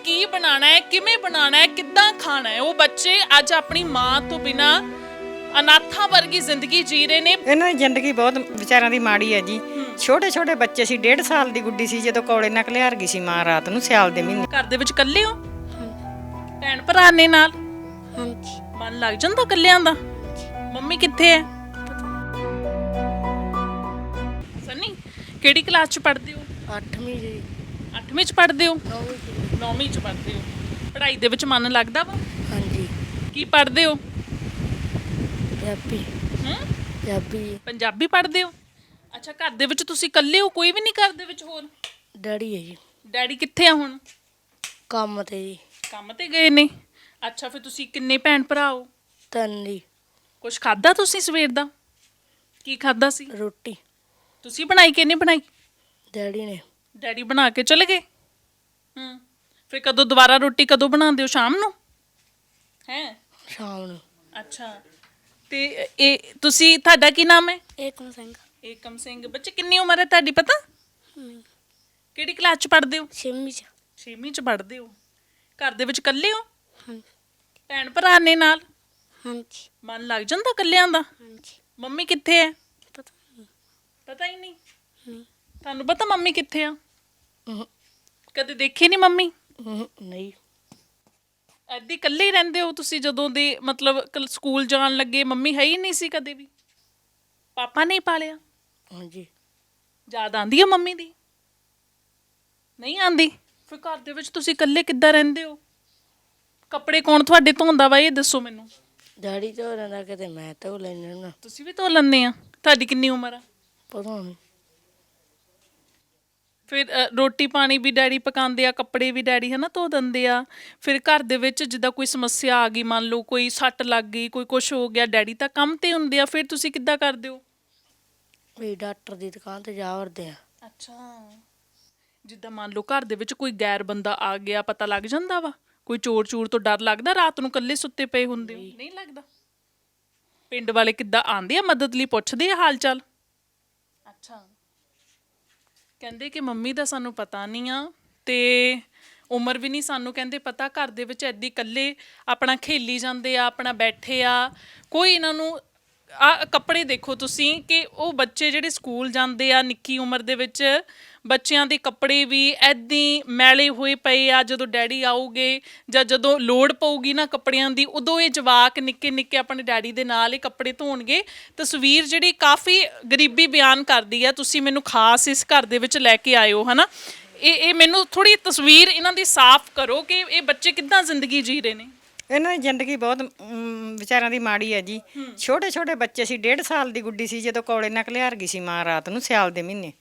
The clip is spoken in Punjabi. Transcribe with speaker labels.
Speaker 1: ਕੀ ਬਣਾਉਣਾ ਹੈ, ਕਿਵੇਂ ਬਣਾਉਣਾ ਹੈ, ਕਿੱਦਾਂ ਖਾਣਾ ਹੈ। ਉਹ ਬੱਚੇ ਅੱਜ ਆਪਣੀ ਮਾਂ ਤੋਂ ਬਿਨਾ ਅਨਾਥਾਂ ਵਰਗੀ ਜ਼ਿੰਦਗੀ ਜੀ ਰਹੇ ਨੇ।
Speaker 2: ਇਹਨਾਂ ਦੀ ਜ਼ਿੰਦਗੀ ਬਹੁਤ ਵਿਚਾਰਿਆਂ ਦੀ ਮਾੜੀ ਹੈ ਜੀ। ਛੋਟੇ ਛੋਟੇ ਬੱਚੇ ਸੀ, 1.5 ਸਾਲ ਦੀ ਗੁੱਡੀ ਸੀ ਜਦੋਂ ਕੋਲੇ ਨਾਲ ਘਲਿਆਰ ਗਈ ਸੀ ਮਾਂ ਰਾਤ ਨੂੰ ਸਿਆਲ ਦੇ ਮਹੀਨੇ।
Speaker 1: ਘਰ ਦੇ ਵਿੱਚ ਇਕੱਲੇ ਹੋ? ਭੈਣ ਭਰਾ ਨੇ ਨਾਲ?
Speaker 3: ਹਾਂਜੀ।
Speaker 1: ਮਨ ਲੱਗ ਜਾਂਦਾ ਇਕੱਲਿਆਂ ਦਾ? ਮੰਮੀ ਕਿੱਥੇ ਹੈ? ਸਨੀ, ਕਿਹੜੀ ਕਲਾਸ ਚ ਪੜ੍ਹਦੇ ਹੋ?
Speaker 3: 8ਵੀਂ ਜੀ।
Speaker 1: 8ਵੀਂ ਚ ਪੜ੍ਹਦੇ ਹੋ?
Speaker 3: 9ਵੀਂ ਜੀ।
Speaker 1: 9ਵੀਂ ਚ ਪੜ੍ਹਦੇ ਹੋ। ਪੜ੍ਹਾਈ ਦੇ ਵਿੱਚ ਮਨ ਲੱਗਦਾ ਵਾ?
Speaker 3: ਹਾਂਜੀ।
Speaker 1: ਕੀ ਪੜ੍ਹਦੇ ਹੋ?
Speaker 3: ਪੰਜਾਬੀ। ਪੰਜਾਬੀ।
Speaker 1: ਪੰਜਾਬੀ ਪੜ੍ਹਦੇ ਹੋ? ਅੱਛਾ, ਘਰ ਦੇ ਵਿੱਚ ਤੁਸੀਂ ਇਕੱਲੇ ਹੋ, ਕੋਈ ਵੀ ਨਹੀਂ ਘਰ ਦੇ ਵਿੱਚ ਹੋਰ?
Speaker 3: ਡੈਡੀ ਹੈ ਜੀ।
Speaker 1: ਡੈਡੀ ਕਿੱਥੇ ਆ ਹੁਣ?
Speaker 3: ਕੰਮ ਤੇ ਜੀ।
Speaker 1: ਕੰਮ ਤੇ ਗਏ ਨੇ। ਅੱਛਾ, ਫਿਰ ਤੁਸੀਂ ਕਿੰਨੇ ਭੈਣ ਭਰਾ ਹੋ?
Speaker 3: 3 ਜੀ।
Speaker 1: ਕੁਛ ਖਾਦਾ ਤੁਸੀਂ ਸਵੇਰ ਦਾ? ਕੀ ਖਾਦਾ ਸੀ?
Speaker 3: ਰੋਟੀ
Speaker 1: ਤੁਸੀਂ ਬਣਾਈ ਕਿ ਨਹੀਂ ਬਣਾਈ?
Speaker 3: ਡੈਡੀ ਨੇ।
Speaker 1: ਡੈਡੀ ਬਣਾ ਕੇ ਚਲੇ ਗਏ। ਫਿਰ ਕਦੋਂ ਦੁਬਾਰਾ ਰੋਟੀ ਕਦੋਂ ਬਣਾਉਂਦੇ ਹੋ? ਸ਼ਾਮ ਨੂੰ ਹੈ?
Speaker 3: ਸ਼ਾਮ ਨੂੰ।
Speaker 1: ਅੱਛਾ, ਤੇ ਇਹ ਤੁਸੀਂ, ਤੁਹਾਡਾ ਕੀ ਨਾਮ ਹੈ?
Speaker 3: ਏਕਮ ਸਿੰਘ।
Speaker 1: ਏਕਮ ਸਿੰਘ। ਬੱਚੇ ਕਿੰਨੀ ਉਮਰ ਹੈ ਤੁਹਾਡੀ ਪਤਾ? ਕਿਹੜੀ ਕਲਾਸ ਚ ਪੜ੍ਹਦੇ ਹੋ?
Speaker 3: 6ਵੀਂ ਚ।
Speaker 1: 6ਵੀਂ ਚ ਪੜ੍ਹਦੇ ਹੋ। ਘਰ ਦੇ ਵਿੱਚ ਇਕੱਲੇ ਹੋ?
Speaker 3: ਹਾਂਜੀ।
Speaker 1: ਭੈਣ ਭਰਾ ਨੇ ਨਾਲ?
Speaker 3: ਹਾਂਜੀ।
Speaker 1: ਮਨ ਲੱਗ ਜਾਂਦਾ ਇਕੱਲਿਆਂ ਦਾ?
Speaker 3: ਹਾਂਜੀ।
Speaker 1: ਮੰਮੀ ਕਿੱਥੇ ਹੈ?
Speaker 3: ਪਤਾ ਨਹੀਂ।
Speaker 1: ਪਤਾ ਹੀ ਨਹੀਂ।
Speaker 3: ਨਹੀਂ।
Speaker 1: ਤੁਹਾਨੂੰ ਪਤਾ ਮੰਮੀ ਕਿੱਥੇ ਆ? ਕਦੇ ਦੇਖੀ ਨਹੀਂ ਮੰਮੀ?
Speaker 3: ਨਹੀਂ।
Speaker 1: ਐਦੀ ਇਕੱਲੇ ਹੀ ਰਹਿੰਦੇ ਹੋ ਤੁਸੀਂ? ਜਦੋਂ ਦੇ ਮਤਲਬ ਸਕੂਲ ਜਾਣ ਲੱਗੇ ਮੰਮੀ ਹੈ ਹੀ ਨਹੀਂ ਸੀ ਕਦੇ ਵੀ? ਪਾਪਾ ਨੇ ਪਾਲਿਆ?
Speaker 3: ਹਾਂਜੀ।
Speaker 1: ਯਾਦ ਆਉਂਦੀ ਹੈ ਮੰਮੀ ਦੀ? ਨਹੀਂ ਆਉਂਦੀ? ਫਿਰ ਘਰ ਦੇ ਵਿੱਚ ਤੁਸੀਂ ਇਕੱਲੇ ਕਿੱਦਾਂ ਰਹਿੰਦੇ ਹੋ? ਕੱਪੜੇ ਕੌਣ ਤੁਹਾਡੇ ਧੋਂਦਾ ਵਾ, ਇਹ ਦੱਸੋ ਮੈਨੂੰ।
Speaker 3: ਡੈਡੀ ਧੋ ਲੈਂਦਾ, ਕਿਤੇ ਮੈਂ ਧੋ ਲੈਂਦਾ ਨਾ।
Speaker 1: ਤੁਸੀਂ ਵੀ ਧੋ ਲੈਂਦੇ ਆ? ਤੁਹਾਡੀ ਕਿੰਨੀ ਉਮਰ ਆ?
Speaker 3: ਪਤਾ ਨਹੀਂ।
Speaker 1: ਫਿਰ ਰੋਟੀ ਪਾਣੀ ਵੀ ਡੈਡੀ ਪਕਾਉਂਦੇ ਆ, ਕੱਪੜੇ ਵੀ ਡੈਡੀ ਹੈ ਨਾ ਧੋ ਦਿੰਦੇ ਆ। ਫਿਰ ਘਰ ਦੇ ਵਿੱਚ ਜਿੱਦਾਂ ਕੋਈ ਸਮੱਸਿਆ ਆ ਗਈ, ਮੰਨ ਲਓ ਕੋਈ ਸੱਟ ਲੱਗ ਗਈ, ਕੋਈ ਕੁਛ ਹੋ ਗਿਆ, ਡੈਡੀ ਤਾਂ ਕੰਮ ਤੇ ਹੁੰਦੇ ਆ, ਫਿਰ ਤੁਸੀਂ ਕਿੱਦਾਂ ਕਰਦੇ ਹੋ?
Speaker 3: ਵੀ ਡਾਕਟਰ ਦੀ ਦੁਕਾਨ ਤੇ ਜਾ ਵੜਦੇ ਆ।
Speaker 1: ਅੱਛਾ, ਜਿੱਦਾਂ ਮੰਨ ਲਓ ਘਰ ਦੇ ਵਿੱਚ ਕੋਈ ਗੈਰ ਬੰਦਾ ਆ ਗਿਆ, ਪਤਾ ਲੱਗ ਜਾਂਦਾ ਵਾ? ਕੋਈ ਚੋਰ ਚੂਰ ਤੋਂ ਡਰ ਲੱਗਦਾ? ਰਾਤ ਨੂੰ ਇਕੱਲੇ ਸੁੱਤੇ ਪਏ ਹੁੰਦੇ ਹੋ? ਨਹੀਂ ਲੱਗਦਾ? ਪਿੰਡ ਵਾਲੇ ਕਿੱਦਾਂ ਆਉਂਦੇ ਆ ਮਦਦ ਲਈ, ਪੁੱਛਦੇ ਆ ਹਾਲ ਚਾਲ? ਅੱਛਾ, ਕਹਿੰਦੇ ਕਿ ਮੰਮੀ ਦਾ ਸਾਨੂੰ ਪਤਾ ਨਹੀਂ ਆ ਤੇ ਉਮਰ ਵੀ ਨਹੀਂ ਸਾਨੂੰ ਕਹਿੰਦੇ ਪਤਾ। ਘਰ ਦੇ ਵਿੱਚ ਐਦੀ ਇਕੱਲੇ ਆਪਣਾ ਖੇਲੀ ਜਾਂਦੇ ਆ, ਆਪਣਾ ਬੈਠੇ ਆ, ਕੋਈ ਇਹਨਾਂ ਨੂੰ ਕੱਪੜੇ ਦੇਖੋ ਤੁਸੀਂ ਕਿ ਉਹ ਬੱਚੇ ਜਿਹੜੇ ਸਕੂਲ ਜਾਂਦੇ ਆ ਨਿੱਕੀ ਉਮਰ ਦੇ ਵਿੱਚ, ਬੱਚਿਆਂ ਦੇ ਕੱਪੜੇ ਵੀ ਐਦੀ ਮੈਲੇ ਹੋਏ ਪਏ ਆ। ਜਦੋਂ ਡੈਡੀ ਆਊਗੇ ਜਾਂ ਜਦੋਂ ਲੋੜ ਪਊਗੀ ਨਾ ਕੱਪੜਿਆਂ ਦੀ, ਉਦੋਂ ਇਹ ਜਵਾਕ ਨਿੱਕੇ ਨਿੱਕੇ ਆਪਣੇ ਡੈਡੀ ਦੇ ਨਾਲ ਇਹ ਕੱਪੜੇ ਧੋਣਗੇ। ਤਸਵੀਰ ਜਿਹੜੀ ਕਾਫੀ ਗਰੀਬੀ ਬਿਆਨ ਕਰਦੀ ਆ। ਤੁਸੀਂ ਮੈਨੂੰ ਖਾਸ ਇਸ ਘਰ ਦੇ ਵਿੱਚ ਲੈ ਕੇ ਆਇਓ, ਹੈ ਨਾ। ਇਹ ਮੈਨੂੰ ਥੋੜ੍ਹੀ ਤਸਵੀਰ ਇਹਨਾਂ ਦੀ ਸਾਫ਼ ਕਰੋ ਕਿ ਇਹ ਬੱਚੇ ਕਿੱਦਾਂ ਜ਼ਿੰਦਗੀ ਜੀ ਰਹੇ ਨੇ।
Speaker 2: ਇਹਨਾਂ ਦੀ ਜ਼ਿੰਦਗੀ ਬਹੁਤ ਵਿਚਾਰਿਆਂ ਦੀ ਮਾੜੀ ਹੈ ਜੀ। ਛੋਟੇ ਛੋਟੇ ਬੱਚੇ ਸੀ, 1.5 ਸਾਲ ਦੀ ਗੁੱਡੀ ਸੀ ਜਦੋਂ ਕੋਲੇ ਨਾਲ ਘਲਿਆਰ ਗਈ ਸੀ ਮਾਂ ਰਾਤ ਨੂੰ ਸਿਆਲ ਦੇ ਮਹੀਨੇ।